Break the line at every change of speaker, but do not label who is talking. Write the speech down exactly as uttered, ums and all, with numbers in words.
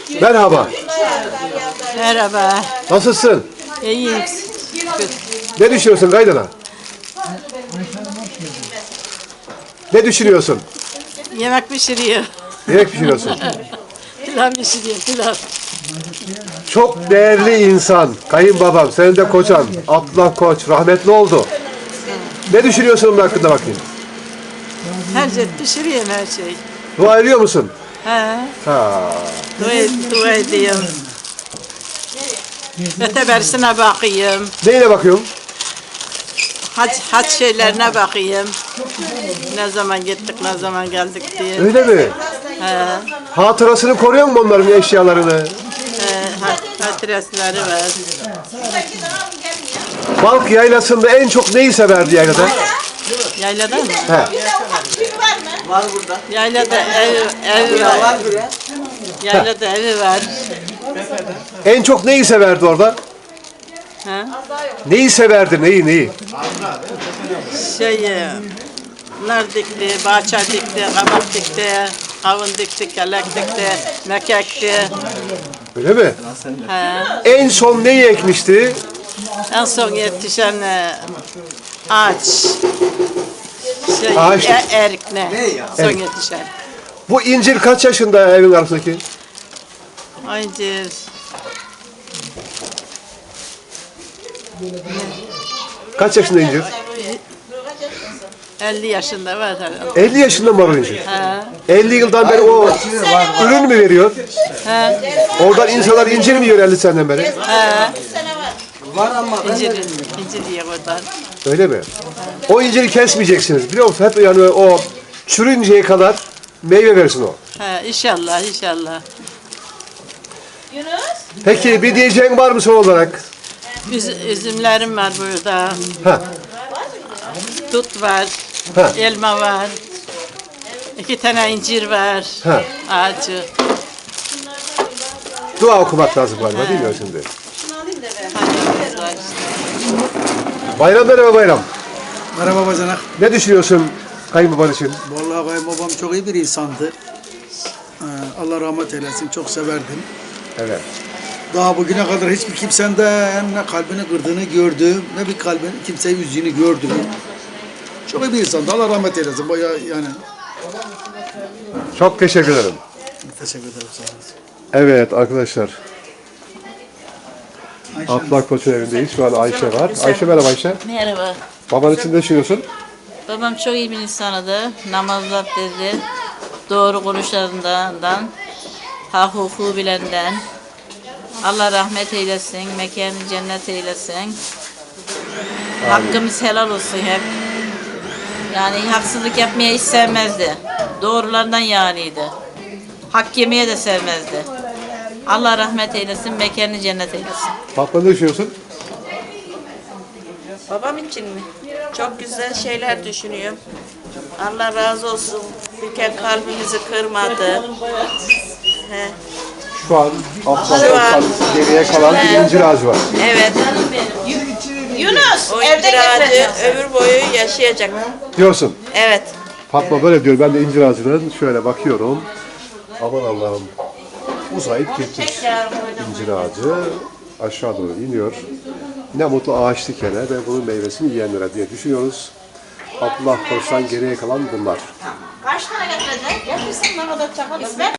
Merhaba.
Merhaba.
Nasılsın?
İyiyim.
Ne düşünüyorsun kaynana? Ne düşünüyorsun?
Yemek pişiriyor.
Yemek pişiriyorsun.
Pilav pişiriyor, pilav.
Çok değerli insan, kayınbabam, senin de kocan, Abdullah Koç, rahmetli oldu. Ne düşünüyorsun onun hakkında bakayım?
Her şey pişiriyorum her şey.
Dua ediyor musun?
He.
Ha.
Dua, dua ediyorum. Öteberisine bakayım.
Neyine bakıyorum?
Hac, hac şeylerine bakayım. Ne zaman gittik, ne zaman geldik diye.
Öyle mi?
He.
Hatırasını koruyor mu onların eşyalarını?
He. hat- Hatırasları var.
Balk yaylasında en çok neyi severdi yaylada?
Yaylada mı?
He.
Yaylada ev, ev var. Yaylada evi var.
En çok neyi severdi orada?
Ha?
Neyi severdi, neyi, neyi?
Şey, e, nar dikti, bahçe dikti, kabak dikti, kavun dikti, kelek dikti, mekek dikti.
Öyle mi?
Ha.
En son neyi ekmişti?
En son yetişen e, ağaç. Şey,
Ağaç.
e, erik ne? Son
Erik.
yetişen.
Bu incir kaç yaşında evin arasındaki?
Incir.
Kaç yaşında incir?
elli yaşında var herhalde.
elli yaşında mı var o incir?
Ha.
elli yıldan beri o ürün mü veriyor?
Ha.
Oradan insanlar incir mi yiyor elli seneden beri?
Ha. İncir, incir diye oradan.
Öyle mi? O inciri kesmeyeceksiniz biliyor musun? Hep yani o çürünceye kadar meyve versin o.
Ha, inşallah, inşallah.
Peki bir diyeceğin var mı son olarak?
Üz, üzümlerim var burada.
Ha.
Dut var.
Ha.
Elma var. İki tane incir var.
Ha.
Ağacı.
Dua okumak lazım galiba değil mi şimdi?
Hayvanımız var işte.
Bayram merhaba bayram.
Merhaba bacanak.
Ne düşünüyorsun kayınbaban için?
Vallahi kayınbabam çok iyi bir insandı. Ee, Allah rahmet eylesin. Çok severdim.
Evet.
Daha bugüne kadar hiçbir kimsenden ne kalbini kırdığını gördüm, ne bir kalbin kimseyi üzdüğünü gördüm. Çok iyi bir insandı. Allah rahmet eylesin. Bayağı yani.
Çok teşekkür ederim.
Teşekkür ederim. Sağ olun.
Evet arkadaşlar. Abdullah Koç'un evindeyiz. Şu an Ayşe var. Ayşe merhaba Ayşe.
Merhaba.
Baban için ne düşünüyorsun?
Babam çok iyi bir insanıydı. Namazlar dedi. Doğru konuşlarından, hak hukuku bilenden. Allah rahmet eylesin, mekanı cennet eylesin. Hakkımız helal olsun hep. Yani haksızlık yapmaya hiç sevmezdi. Doğrulardan yaniydi. Hak yemeye de sevmezdi. Allah rahmet eylesin, mekanı cennet eylesin.
Fatma ne düşünüyorsun?
Babam için mi? Çok güzel şeyler düşünüyorum. Allah razı olsun. Bir kere kalbimizi kırmadı. He.
Şu an Abdullah
Şu an-
Koç'tan geriye kalan bir incir ağacı var.
Evet.
Yunus,
O
evde
incir ağacı
getireceğiz.
ömür boyu yaşayacak.
Diyorsun.
Evet.
Fatma böyle diyor. Ben de incir ağacının şöyle bakıyorum. Aman Allah'ım. Uzayıp gitmiş. İncir ağacı aşağı doğru iniyor. Ne mutlu ağaç dikene ve bunun meyvesini yiyenlere diye düşünüyoruz. Abdullah Koç'tan geriye kalan bunlar.
Kaç tane getirecek? Getirsin bana da çakal.